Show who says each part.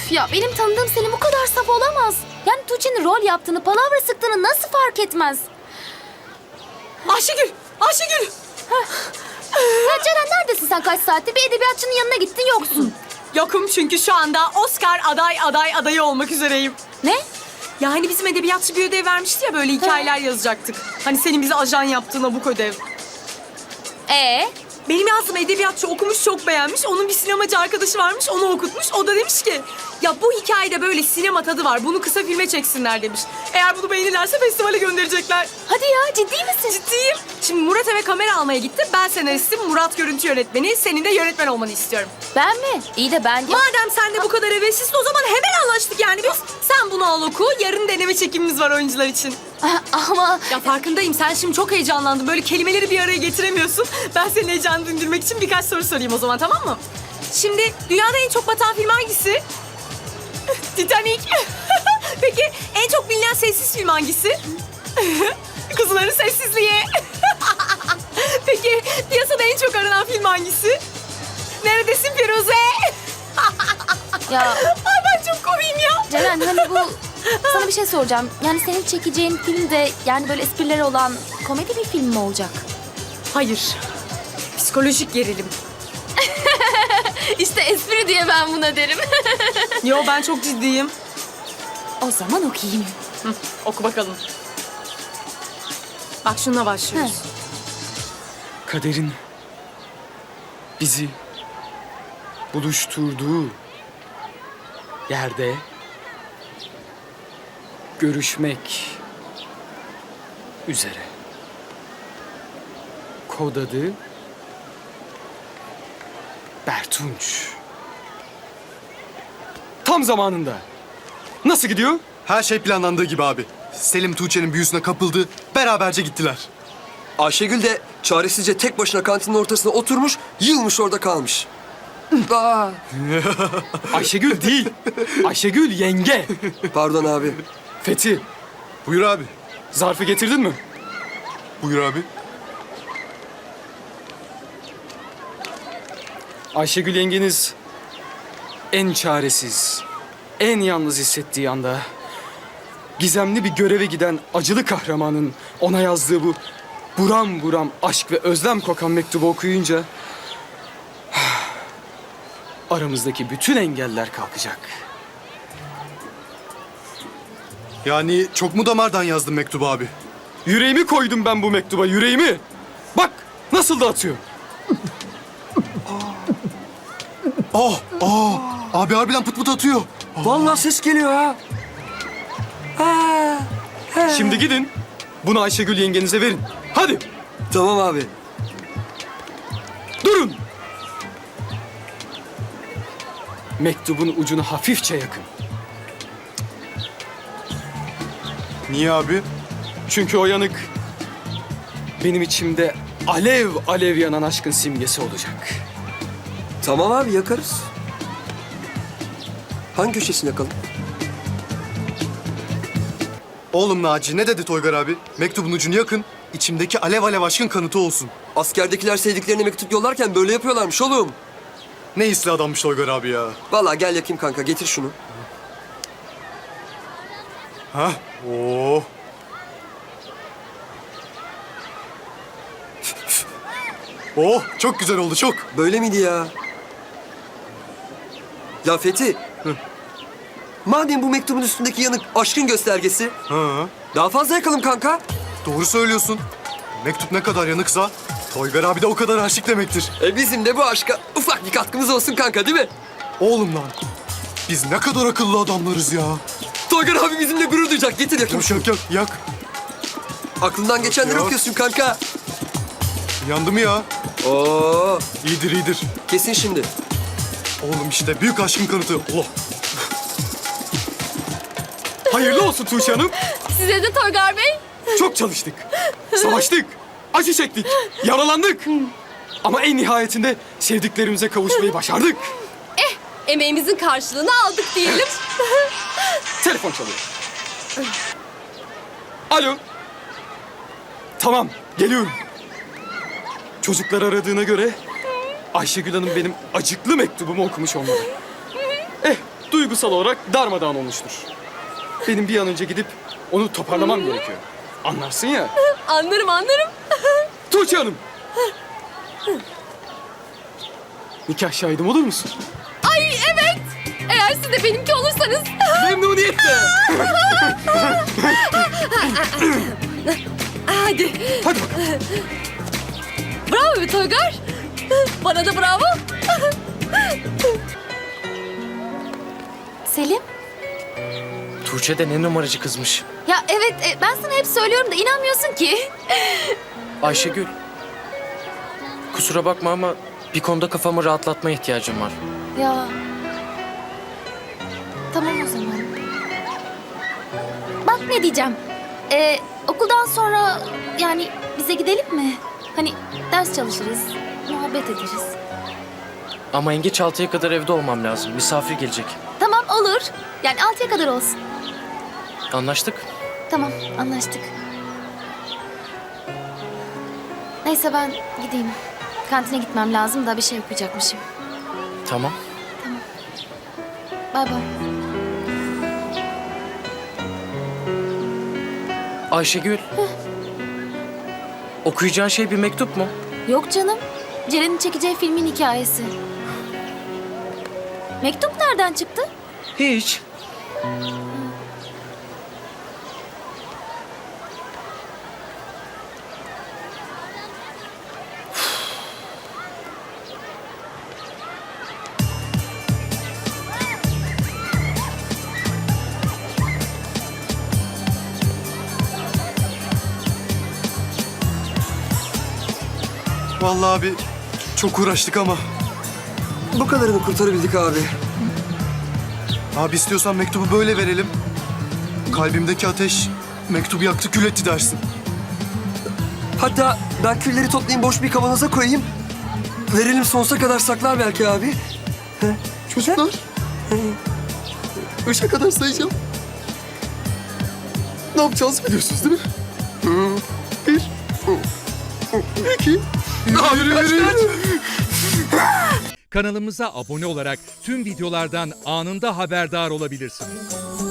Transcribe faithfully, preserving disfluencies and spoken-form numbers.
Speaker 1: Ya benim tanıdığım Selim bu kadar saf olamaz. Yani Tuğçe'nin rol yaptığını, palavra sıktığını nasıl fark etmez?
Speaker 2: Ayşegül! Ayşegül!
Speaker 1: Ya Ceren neredesin sen kaç saattir? Bir edebiyatçının yanına gittin yoksun.
Speaker 2: Yokum çünkü şu anda Oscar aday aday adayı olmak üzereyim.
Speaker 1: Ne?
Speaker 2: Ya hani bizim edebiyatçı bir ödev vermişti ya, böyle hikayeler yazacaktık. Hani senin bize ajan yaptığın abuk ödev.
Speaker 1: Ee?
Speaker 2: Benim yazdığım edebiyatçı okumuş, çok beğenmiş. Onun bir sinemacı arkadaşı varmış, onu okutmuş. O da demiş ki, ya bu hikayede böyle sinema tadı var, bunu kısa filme çeksinler demiş. Eğer bunu beğenirlerse festivale gönderecekler.
Speaker 1: Hadi ya, ciddi misin?
Speaker 2: Ciddiyim. Şimdi Murat eve kamera almaya gitti. Ben senaristim, Murat görüntü yönetmeni. Senin de yönetmen olmanı istiyorum.
Speaker 1: Ben mi? İyi de ben...
Speaker 2: Madem sen de bu kadar heveslisin, o zaman hemen anlaştık yani biz. Sen bunu al oku, yarın deneme çekimimiz var oyuncular için.
Speaker 1: Ama...
Speaker 2: Ya farkındayım, sen şimdi çok heyecanlandın. Böyle kelimeleri bir araya getiremiyorsun. Ben senin heyecanını dindirmek için birkaç soru sorayım o zaman, tamam mı? Şimdi dünyada en çok batan film hangisi? Titanic. Peki en çok bilinen sessiz film hangisi? Kuzuların Sessizliği. Peki piyasada en çok aranan film hangisi? Neredesin Firuze?
Speaker 1: Ya
Speaker 2: Ay ben çok komiyim ya.
Speaker 1: Ceren hani bu... Sana bir şey soracağım. Yani senin çekeceğin film de yani böyle esprileri olan komedi bir film mi olacak?
Speaker 2: Hayır. Psikolojik gerilim.
Speaker 1: İşte espri diye ben buna derim.
Speaker 2: Yo, ben çok ciddiyim.
Speaker 1: O zaman okuyayım.
Speaker 2: Hı, oku bakalım. Bak şununla başlıyoruz.
Speaker 3: Kaderin bizi buluşturduğu yerde görüşmek üzere. Kod adı Bertunç. Tam zamanında. Nasıl gidiyor?
Speaker 4: Her şey planlandığı gibi abi. Selim Tuğçe'nin büyüsüne kapıldı, beraberce gittiler.
Speaker 5: Ayşegül de çaresizce tek başına kantinin ortasına oturmuş, yılmış orada kalmış. Aa,
Speaker 3: Ayşegül değil. Ayşegül yenge.
Speaker 5: pardon abi.
Speaker 3: Fethi,
Speaker 4: Buyur abi.
Speaker 3: zarfı getirdin mi?
Speaker 4: Buyur abi.
Speaker 3: Ayşegül yengeniz en çaresiz, en yalnız hissettiği anda gizemli bir göreve giden acılı kahramanın ona yazdığı bu buram buram aşk ve özlem kokan mektubu okuyunca aramızdaki bütün engeller kalkacak.
Speaker 4: Yani çok mu damardan yazdın mektubu abi?
Speaker 3: Yüreğimi koydum ben bu mektuba, yüreğimi. Bak nasıl da atıyor.
Speaker 4: Oh, oh. Abi harbiden pıt pıt atıyor.
Speaker 5: Vallahi ses geliyor ha.
Speaker 3: Şimdi gidin bunu Ayşegül yengenize verin. Hadi
Speaker 5: Tamam abi.
Speaker 3: durun. Mektubun ucunu hafifçe yakın.
Speaker 4: Niye abi?
Speaker 3: Çünkü o yanık benim içimde alev alev yanan aşkın simgesi olacak.
Speaker 5: Tamam abi, yakarız. Hangi köşesini yakalım?
Speaker 4: Oğlum Naci ne dedi Toygar abi? Mektubun ucunu yakın, içimdeki alev alev aşkın kanıtı olsun.
Speaker 5: Askerdekiler sevdiklerine mektup yollarken böyle yapıyorlarmış oğlum.
Speaker 4: Ne hisli adammış Toygar abi ya.
Speaker 5: Vallahi gel yakayım kanka, getir şunu.
Speaker 4: Hah, oh. Oh, çok güzel oldu, çok.
Speaker 5: Böyle miydi ya? Ya Fethi. Madem bu mektubun üstündeki yanık aşkın göstergesi,
Speaker 4: Ha,
Speaker 5: daha fazla yakalım kanka.
Speaker 4: doğru söylüyorsun. Mektup ne kadar yanıksa, Toygar abi de o kadar aşık demektir.
Speaker 5: E bizim de bu aşka ufak bir katkımız olsun kanka, değil mi?
Speaker 4: Oğlum lan, biz ne kadar akıllı adamlarız ya.
Speaker 5: Toygar abi bizimle gurur duyacak. Getir yakayım.
Speaker 4: Yak yak yak, yak.
Speaker 5: Aklından geçenleri
Speaker 4: Yok.
Speaker 5: okuyorsun kanka.
Speaker 4: Yandı mı ya?
Speaker 5: Oo,
Speaker 4: İyidir iyidir.
Speaker 5: kesin şimdi.
Speaker 4: Oğlum işte büyük aşkın kanıtı. Allah.
Speaker 3: Hayırlı olsun Tuğçe Hanım.
Speaker 1: Size de Toygar Bey.
Speaker 3: Çok çalıştık. Savaştık. Acı çektik. Yaralandık. Ama en nihayetinde sevdiklerimize kavuşmayı başardık.
Speaker 1: Emeğimizin karşılığını aldık diyelim.
Speaker 3: Telefon çalıyor. Alo. Tamam, geliyorum. Çocuklar aradığına göre Ayşegül Hanım benim acıklı mektubumu okumuş olmalı. Eh, duygusal olarak darmadağın olmuştur. Benim bir an önce gidip onu toparlamam gerekiyor. Anlarsın ya.
Speaker 2: Anlarım anlarım.
Speaker 3: Tuğçe Hanım. Nikah şahidim olur musun?
Speaker 2: Ay evet. Eğer siz de benimki olursanız.
Speaker 3: Memnuniyetle.
Speaker 2: Hadi.
Speaker 3: Hadi bakalım.
Speaker 2: Bravo be Toygar. Bana da bravo.
Speaker 1: Selim?
Speaker 6: Tuğçe de ne numaracı kızmış.
Speaker 1: Ya evet e, ben sana hep söylüyorum da inanmıyorsun ki.
Speaker 6: Ayşegül. Kusura bakma ama bir konuda kafamı rahatlatmaya ihtiyacım var.
Speaker 1: Ya. Tamam o zaman. Bak ne diyeceğim. Ee, okuldan sonra yani bize gidelim mi? Hani ders çalışırız, muhabbet ederiz.
Speaker 6: Ama en geç altıya kadar evde olmam lazım. Misafir gelecek.
Speaker 1: Tamam olur. Yani altıya kadar olsun.
Speaker 6: Anlaştık.
Speaker 1: Tamam anlaştık. Neyse ben gideyim. Kantine gitmem lazım da bir şey okuyacakmışım.
Speaker 6: Tamam.
Speaker 1: Bay bay.
Speaker 6: Ayşegül. Okuyacağın şey bir mektup mu?
Speaker 1: Yok canım. Ceren'in çekeceği filmin hikayesi. Mektup nereden çıktı?
Speaker 6: Hiç.
Speaker 4: Vallahi abi çok uğraştık ama.
Speaker 5: Bu kadarını kurtarabildik abi.
Speaker 4: Abi istiyorsan mektubu böyle verelim. Kalbimdeki ateş mektubu yaktı kül etti dersin.
Speaker 5: Hatta ben külleri toplayayım boş bir kavanoza koyayım. Verelim sonsuza kadar saklar belki abi.
Speaker 4: Çocuklar. Üçe kadar sayacağım. Ne yapacağız biliyorsunuz değil mi? Bir. İki. Yürü, yürü, yürü, yürü.
Speaker 7: Kanalımıza abone olarak tüm videolardan anında haberdar olabilirsiniz.